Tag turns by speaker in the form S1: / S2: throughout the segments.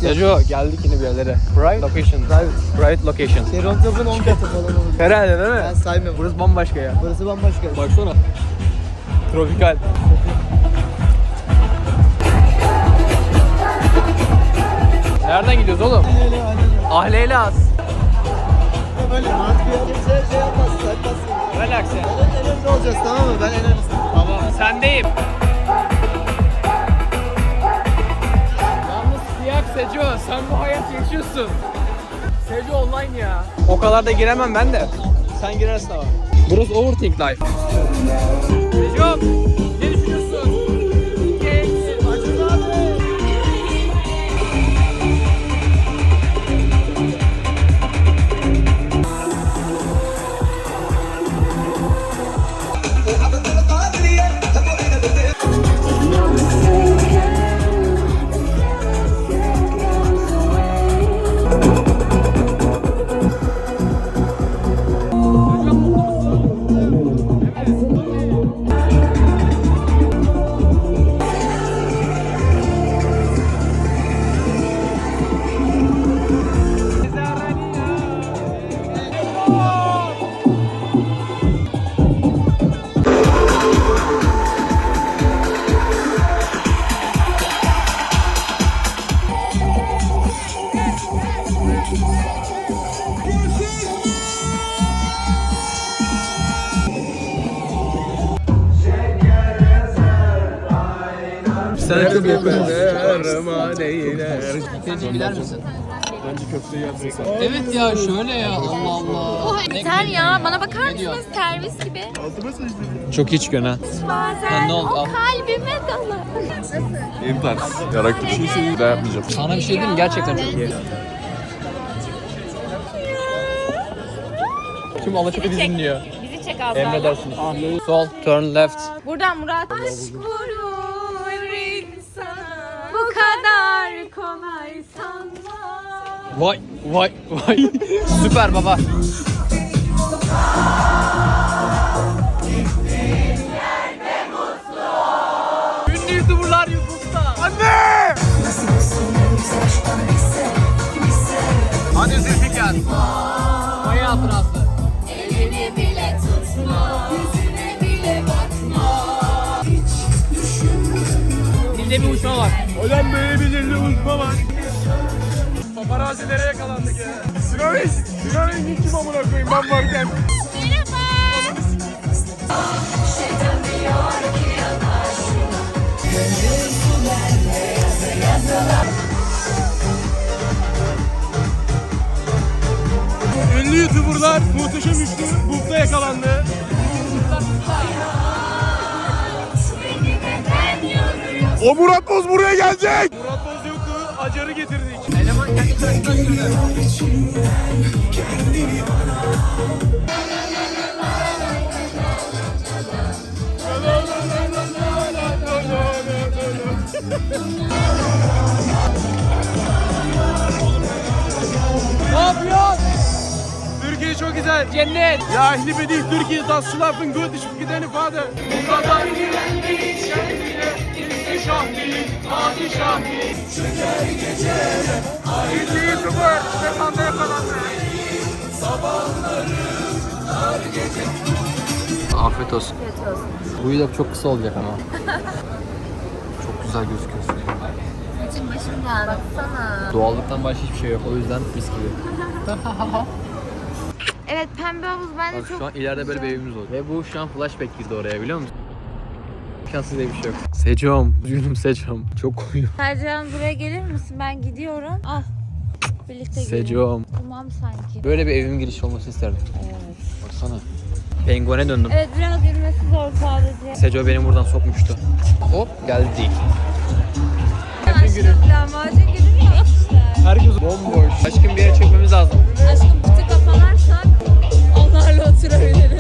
S1: Seco geldik yine bir yerlere. Bright location. Bright location.
S2: Keron Top'un 10 katı falan olur.
S1: Herhalde değil mi?
S2: Ben saymıyorum.
S1: Burası bambaşka ya.
S2: Burası bambaşka.
S1: Baksana. Tropikal. Nereden gidiyoruz oğlum? Ahleyle az.
S2: Böyle mantıklı şey yapmaz, saymazsın.
S1: Relax ya.
S2: En olacağız tamam mı? Ben en önemlisi.
S1: Tamam. Sendeyim. Yalnız kıyak Seco. Sen bu hayat yaşıyorsun. Seco online ya. O kadar da giremem ben de. Sen girersin ama. Burası Overthink Life. Seco. Ne düşünüyorsun?
S2: Acun abi.
S1: Sen çok yakın. Sence gider misin?
S3: Bence köfteyi yapacaksan.
S1: Evet ya şöyle ya Allah Allah.
S4: Yeter ya, bana bakar mısınız? Servis gibi.
S1: Çok iyi çıkıyorsun ha.
S4: Bazen
S1: ne oldu?
S4: o kalbime dalar.
S3: En tarz. Yaraklı bir şeyse daha yapmayacağım.
S1: Sana bir şey diyeyim mi? Gerçekten çok iyi. Tüm Alaçatı bizi dinliyor.
S4: Bizi çek az daha.
S1: Emredersiniz. Sol, turn left.
S4: Buradan Murat. Aşk vurur insana. Bu kadar kolay sanma.
S1: Vay vay vay. Süper baba. Ünlü YouTuber'lar YouTube'da. Anne! Hadi Zülfikar. Vay hatırası.
S4: Elini bile tutma. Yüzüne bile bakma.
S1: Dilde bir uçma var.
S3: Hocam böyle bir dilli uçma var. Paparazilere yakalandık ya. Sinan'ın kim amına koyayım ben varken. Ünlü YouTuber'lar muhteşem üçlü bukta yakalandı. O Murat Boz buraya gelecek. Murat Boz yoktu, Acar'ı getirdik.
S1: Eleman kendi karşısına söylüyor. Ne yapıyorsun?
S3: Türkiye çok güzel.
S1: Cennet.
S3: Ya ehli bedih Türkiye, das schlafen gut, ich vergesse deine Vater. Bu kadar güvenmeyi kendine, ihtişam değil, padişah değil. Şeker gece, ünlü YouTuber, Stefan da yakalandı. Sabahları, dar gece.
S1: Afiyet olsun. Bu video çok kısa olacak ama. Çok güzel gözüküyorsun.
S4: Saçım başım dağıldı. Baksana.
S1: Doğallıktan başka hiçbir şey yok. O yüzden mis gibi.
S4: Evet, pembe havuz bence
S1: Bak
S4: çok
S1: şu an ileride böyle bir evimiz olacak. Ve bu şu an flashback girdi oraya biliyor musun? Şanssız diye bir şey yok. Secom. Üzgünüm Secom. Çok koyuyor.
S4: Sercan buraya gelir misin? Ben gidiyorum. Al. Birlikte gidelim.
S1: Secom.
S4: Tamam sanki.
S1: Böyle bir evimin girişi olmasını isterdim.
S4: Evet.
S1: Baksana. Penguene döndüm.
S4: Evet, biraz yürümesi zor sadece.
S1: Seco beni buradan sokmuştu. Hop geldik.
S4: Aşkım lahmacun günü mü yapmışlar?
S1: Herkes bomboş. Aşkım bir yere çekmemiz lazım.
S4: Aşkım pıtı kafalarsak onlarla oturabiliriz.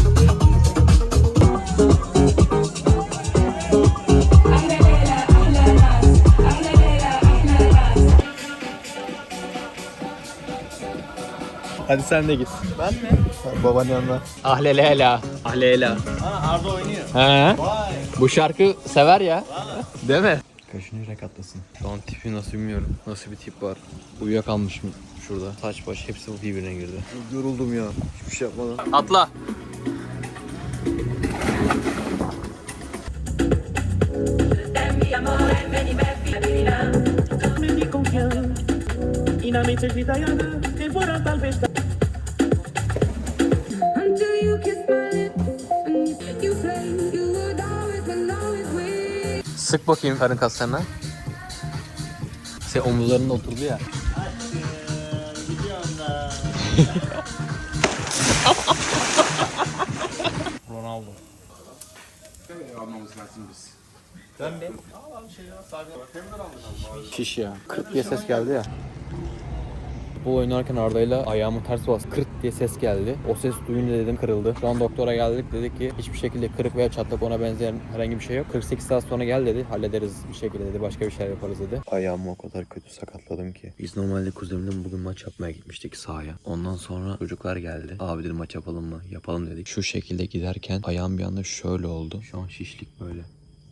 S1: Hadi sen de git.
S2: Ben mi? Babanın yanına.
S1: Ahlelela. Ahlelela.
S2: Ha Arda oynuyor.
S1: He.
S2: Vay.
S1: Bu şarkı sever ya. Değil mi? Kaşınarak atlasın. Şu an tipi nasıl bilmiyorum. Nasıl bir tip var. Uyuyakalmışım şurada. Saç baş hepsi bu birbirine girdi.
S2: Yoruldum ya. Hiçbir şey yapmadan.
S1: Atla.
S5: Until you kiss my lips and you flame, you would always win.
S1: Sık bakayım karın kaslarına. Sen omuzlarında oturdu ya. Ronaldo. Şiş ya. 40 diye ses geldi ya. Bu oynarken Arda'yla ayağımı ters bastı. 40 diye ses geldi. O ses duyunca dedim kırıldı. Şu an doktora geldik, dedi ki hiçbir şekilde kırık veya çatlak ona benzeyen herhangi bir şey yok. 48 saat sonra gel dedi. Hallederiz bir şekilde dedi. Başka bir şey yaparız dedi. Ayağımı o kadar kötü sakatladım ki. Biz normalde kuzenimle bugün maç yapmaya gitmiştik sahaya. Ondan sonra çocuklar geldi. Abi dedi maç yapalım mı? Yapalım dedik. Şu şekilde giderken ayağım bir anda şöyle oldu. Şu an şişlik böyle.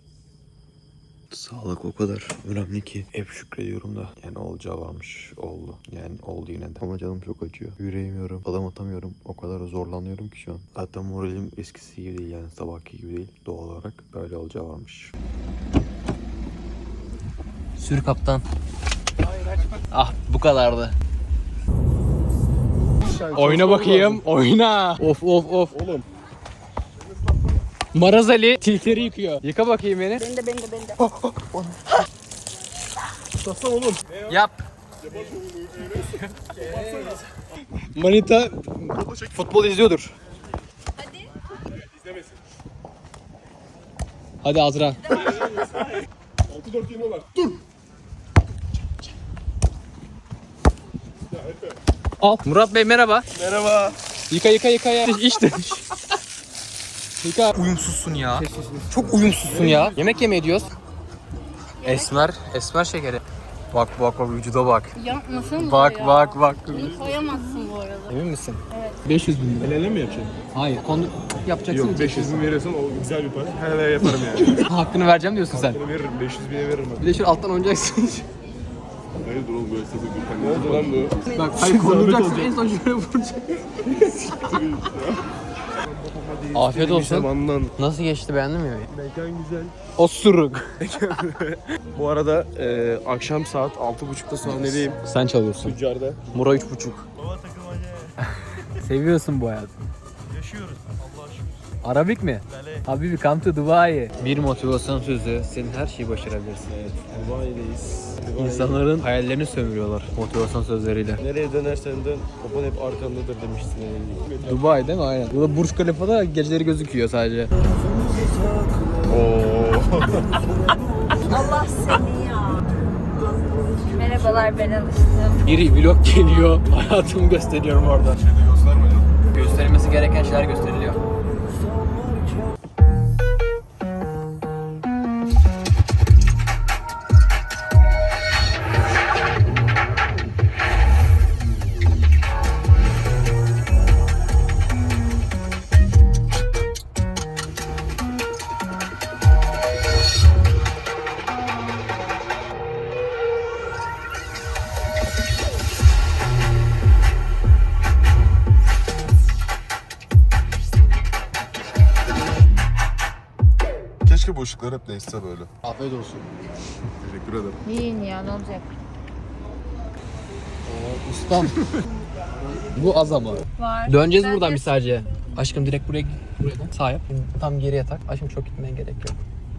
S1: Sağlık o kadar önemli ki hep şükrediyorum da. Yani olacağı varmış, oldu. Yani oldu yine de. Ama canım çok acıyor. Yürüyemiyorum, adım atamıyorum. O kadar zorlanıyorum ki şu an. Zaten moralim eskisi gibi değil yani sabahki gibi değil. Doğal olarak böyle olacağı varmış. Sür kaptan. Ah bu kadardı. Oyna bakayım, oyna. Of of of.
S3: Oğlum.
S1: Maraz Ali tilkleri yıkıyor. Yıka bakayım beni.
S5: Ben de.
S3: Tutasana oğlum.
S1: Yap. Manita futbol izliyordur.
S5: Hadi.
S3: İzlemesin.
S1: Hadi Azra.
S3: 6-4 yeniyorlar. Dur.
S1: Al. Murat Bey merhaba.
S3: Merhaba.
S1: Yıka ya. İşte. Yıka. Uyumsuzsun ya. Çok uyumsuzsun ya. Yemek yemeye diyoruz. Esmer şekeri. Bak vücuda bak.
S5: Yapmasın mı
S1: Bak.
S5: Bunu koyamazsın bu arada.
S1: Emin misin? Evet. 500 bin lira.
S3: El ele mi yapacaksın?
S1: Hayır. Yapacaksın.
S3: Yok 500 bin verirsen o güzel bir para. Hele yaparım yani.
S1: Hakkını vereceğim diyorsun sen.
S3: Bunu veririm 500 bine veririm ben.
S1: Bir de şöyle alttan oynayacaksın.
S3: Hayırdır oğlum böyle sesi Gürkan. Ne oldu lan bu?
S1: Bak hayır konduracaksın en son şöyle vuracaksın. Afiyet olsun.
S3: Zamandan.
S1: Nasıl geçti beğendin mi?
S3: Mekan güzel.
S1: Osuruk.
S3: Bu arada akşam saat 6.30'da sahnedeyim.
S1: Sen çalıyorsun.
S3: Tüccarda.
S1: Mura 3.5. Seviyorsun bu hayatı.
S6: Yaşıyoruz. Allah'a şükür.
S1: Arabik mi? Habibi come to Dubai. Bir motivasyon sözü. Senin her şeyi başarabilirsin.
S3: Evet. Dubai'deyiz.
S1: İnsanların hayallerini sömürüyorlar motivasyon sözleriyle.
S3: Nereye dönersen dön, baban hep arkandadır demiştin.
S1: Dubai değil mi? Aynen. Burada Burj Khalifa'da geceleri gözüküyor sadece.
S4: Allah seni ya. Merhabalar ben alıştım.
S1: Biri vlog geliyor. Hayatımı gösteriyorum orada. Gösterilmesi gereken şeyler gösteriliyor.
S7: Keşke bu ışıklar hep değişse böyle.
S1: Afiyet olsun.
S7: Teşekkür ederim.
S4: Yiyin ya ne olacak?
S1: Ustam. Bu az ama.
S4: Var.
S1: Döneceğiz
S4: Ben
S1: buradan
S4: de-
S1: bir sadece. Aşkım direkt buraya sağ yap. Tam geriye tak. Aşkım çok gitmeye gerek yok.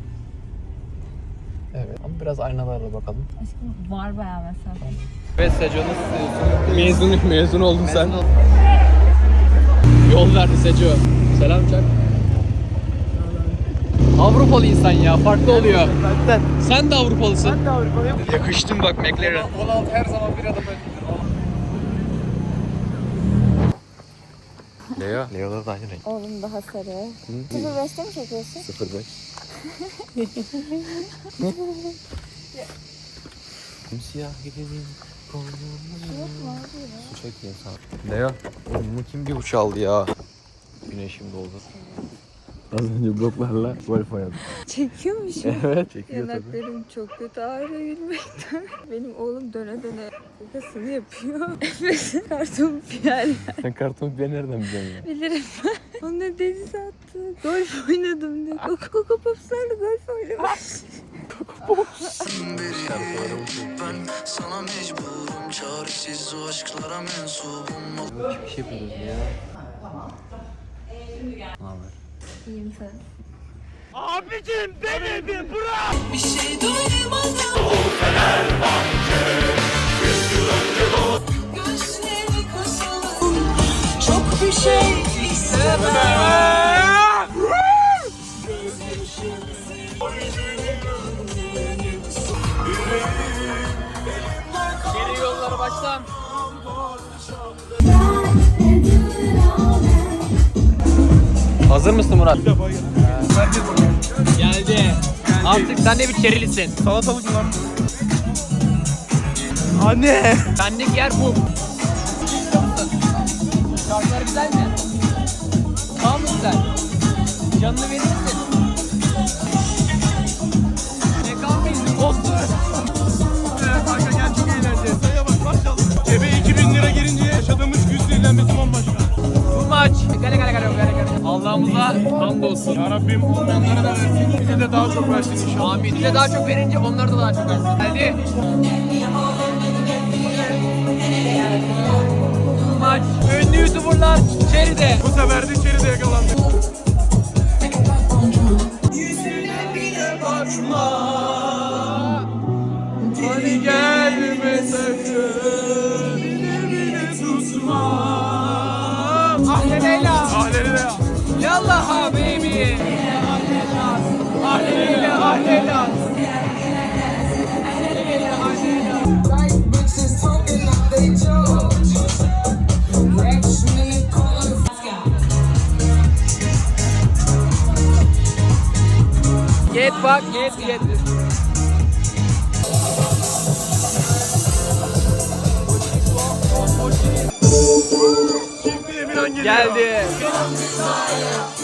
S1: Evet ama biraz aynalarla bakalım.
S4: Aşkım var bayağı mesela.
S1: Evet Seco nasıl mezun oldun sen. Yol verdi Seco. Selam Çak. Avrupalı insan ya farklı oluyor. Sen de Avrupalısın. Ben de Avrupalıyım. Yakıştın bak McLaren.
S3: 16 her zaman bir adım öndedir.
S1: Leo'lar da aynı renk.
S4: Oğlum daha sarı. 05'te mi çekiyorsun?
S1: 05. Simsiyah gidelim. Su çekeyim sana. Leo, bunu kim bir uç aldı ya? Güneşim doldu.
S2: Az önce bloklarla golf oynadık.
S4: Çekiyormuşum.
S2: Evet çekiyor tabii.
S4: Yanaklarım çok kötü ağrıyor gülmekten. Benim oğlum döne döne kakasını yapıyor. Efes'in karton piyerler.
S2: Sen karton bir nereden biliyorsun ya?
S4: Bilirim ben. Onunla denize attı. Golf oynadım diyor. Coco Pops'larla golf oynamış.
S8: Ben sana mecburum, çaresiz o aşklara mensubum.
S2: Bir şey yapıyoruz ya.
S4: İyiyim sen.
S8: Bir şey duymadan gözleri kapalı, çok bir şey istemem.
S1: Geri yolları baştan. Hazır mısın Murat? Geldi. Artık sen de bir kerilisin.
S6: Salatalık mı lan?
S1: Anne. Benlik yer bu. Şarkılar güzel mi? Tamam mı güzel? Canını verir misin? Ne kalmayız? Olsun.
S6: Kanka gel çok eğlenceli. Sayıya bak maşallah. Cebe 2000 lira girince yaşadığımız güz zehirlenmesi bambaşka.
S1: Bu maç. Gale. Allah'ımıza hamdolsun.
S6: Ya Rabbim olmayanlara da versin. Bize de daha çok versin inşallah.
S1: Amin. Bize daha çok verince onlar da daha çok versin. Geldi. Bu maç. Ünlü YouTuber'lar içeride.
S6: Bu sefer de içeride yakalandık.
S1: Hadi gelme sakın. Bile susma. Ahle Leyla.
S6: Ahleli de ya.
S1: Yallah ha baby. Ahle Leyla. Ahle Leyla. Get bak, get.
S6: Şimdi Emirhan geliyor.
S1: Geldi.